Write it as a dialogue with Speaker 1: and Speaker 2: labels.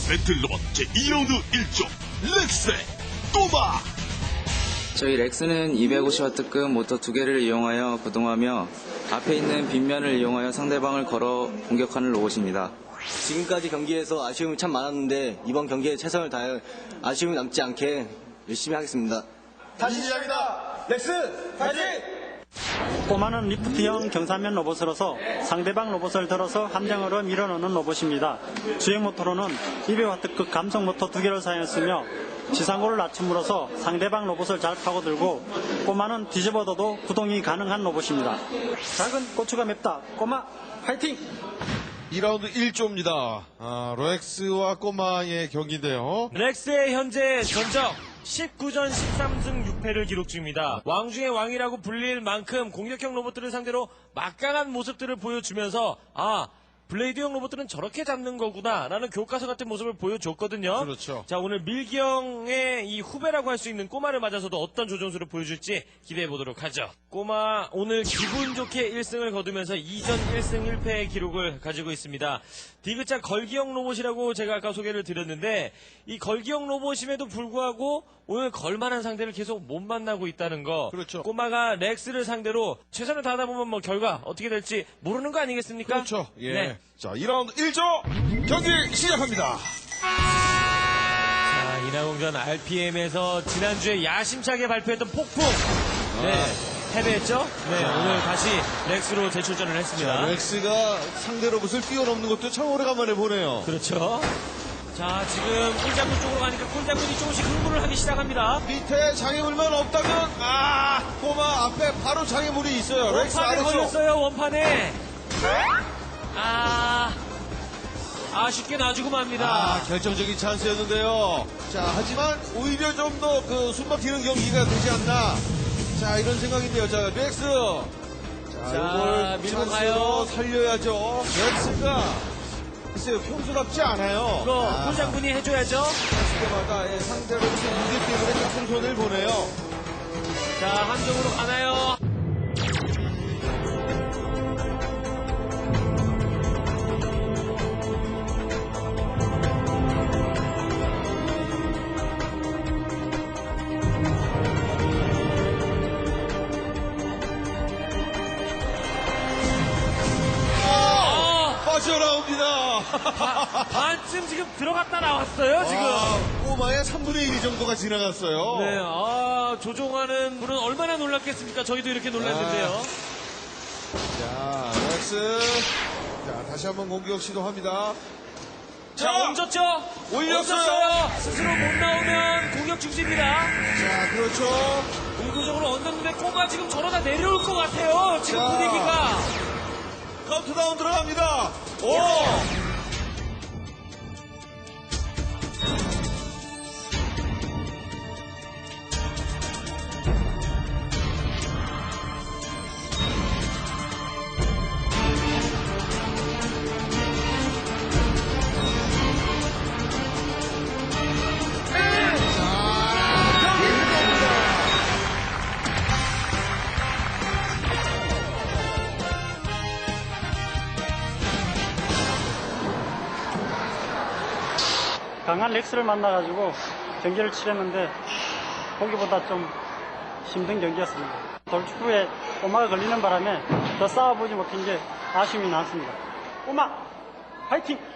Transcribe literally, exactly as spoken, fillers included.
Speaker 1: 배틀 로봇 제이 라운드 일 조 렉스의 꼬마.
Speaker 2: 저희 렉스는 이백오십 와트급 모터 두 개를 이용하여 구동하며 앞에 있는 빗면을 이용하여 상대방을 걸어 공격하는 로봇입니다.
Speaker 3: 지금까지 경기에서 아쉬움이 참 많았는데 이번 경기에 최선을 다해 아쉬움이 남지 않게 열심히 하겠습니다.
Speaker 4: 다시 시작이다. 렉스 파이팅!
Speaker 5: 꼬마는 리프트형 경사면 로봇으로서 상대방 로봇을 들어서 함정으로 밀어넣는 로봇입니다. 주행 모터로는 이백 와트급 감속 모터 두 개를 사용했으며 지상고를 낮춤으로써 상대방 로봇을 잘 파고들고 꼬마는 뒤집어둬도 구동이 가능한 로봇입니다. 작은 고추가 맵다. 꼬마 파이팅!
Speaker 4: 이 라운드 일 조입니다. 아, 렉스와 꼬마의 경기인데요.
Speaker 6: 렉스의 현재 전적 십구 전 십삼 승 육 패를 기록 중입니다. 왕 중의 왕이라고 불릴 만큼 공격형 로봇들을 상대로 막강한 모습들을 보여주면서 아 블레이드형 로봇들은 저렇게 잡는 거구나 라는 교과서 같은 모습을 보여줬거든요.
Speaker 4: 그렇죠.
Speaker 6: 자, 오늘 밀기형의 이 후배라고 할 수 있는 꼬마를 맞아서도 어떤 조정수를 보여줄지 기대해 보도록 하죠. 꼬마 오늘 기분 좋게 일 승을 거두면서 이 전 일 승 일 패의 기록을 가지고 있습니다. 디귿자 걸기형 로봇이라고 제가 아까 소개를 드렸는데 이 걸기형 로봇임에도 불구하고 오늘 걸만한 상대를 계속 못 만나고 있다는 거.
Speaker 4: 그렇죠.
Speaker 6: 꼬마가 렉스를 상대로 최선을 다하다 보면 뭐 결과 어떻게 될지 모르는 거 아니겠습니까?
Speaker 4: 그렇죠. 예.
Speaker 6: 네.
Speaker 4: 자, 이 라운드 일 조 경기 시작합니다.
Speaker 6: 자, 인하공전 알피엠에서 지난주에 야심차게 발표했던 폭풍. 네. 패배했죠? 네. 오늘 다시 렉스로 재출전을 했습니다.
Speaker 4: 자, 렉스가 상대 로봇을 뛰어넘는 것도 참 오래간만에 보네요.
Speaker 6: 그렇죠. 자, 지금 꿀장군 쪽으로 가니까 꿀장군이 조금씩 흥분을 하기 시작합니다.
Speaker 4: 밑에 장애물만 없다면 아 꼬마 앞에 바로 장애물이 있어요. 렉스
Speaker 6: 원판에
Speaker 4: 아래쪽.
Speaker 6: 걸렸어요, 원판에. 아, 아쉽게 놔주고 맙니다.
Speaker 4: 아, 결정적인 찬스였는데요. 자, 하지만 오히려 좀 더 그 숨막히는 경기가 되지 않나. 자, 이런 생각인데요. 자, 렉스. 자,
Speaker 6: 자,
Speaker 4: 이걸
Speaker 6: 밀고
Speaker 4: 찬스로
Speaker 6: 가요.
Speaker 4: 살려야죠. 렉스가 글쎄요, 평소답지 않아요.
Speaker 6: 이거
Speaker 4: 아,
Speaker 6: 꿀장군이 해줘야죠.
Speaker 4: 때마다 예, 상대로 무기 때문에 조금 손을 보내요.
Speaker 6: 자, 함정으로 가나요?
Speaker 4: 빠져나옵니다.
Speaker 6: 바, 반쯤 지금 들어갔다 나왔어요, 지금.
Speaker 4: 아, 꼬마의 삼분의 일 정도가 지나갔어요.
Speaker 6: 네, 아, 조종하는 분은 얼마나 놀랐겠습니까? 저희도 이렇게 놀랐는데요.
Speaker 4: 자, 렉스. 자, 다시 한번 공격 시도합니다.
Speaker 6: 자, 얹었죠?
Speaker 4: 올렸어요.
Speaker 6: 얹었어요. 스스로 못 나오면 공격 중지입니다.
Speaker 4: 자, 그렇죠.
Speaker 6: 의도적으로 얹었는데 꼬마 지금 저러다 내려올 것 같아요. 지금
Speaker 4: 자.
Speaker 6: 분위기가.
Speaker 4: 카운트다운 들어갑니다. 오!
Speaker 5: 강한 렉스를 만나가지고 경기를 치렀는데 보기보다 좀 힘든 경기였습니다. 돌축구에 꼬마가 걸리는 바람에 더 싸워보지 못한 게 아쉬움이 남습니다. 꼬마 파이팅!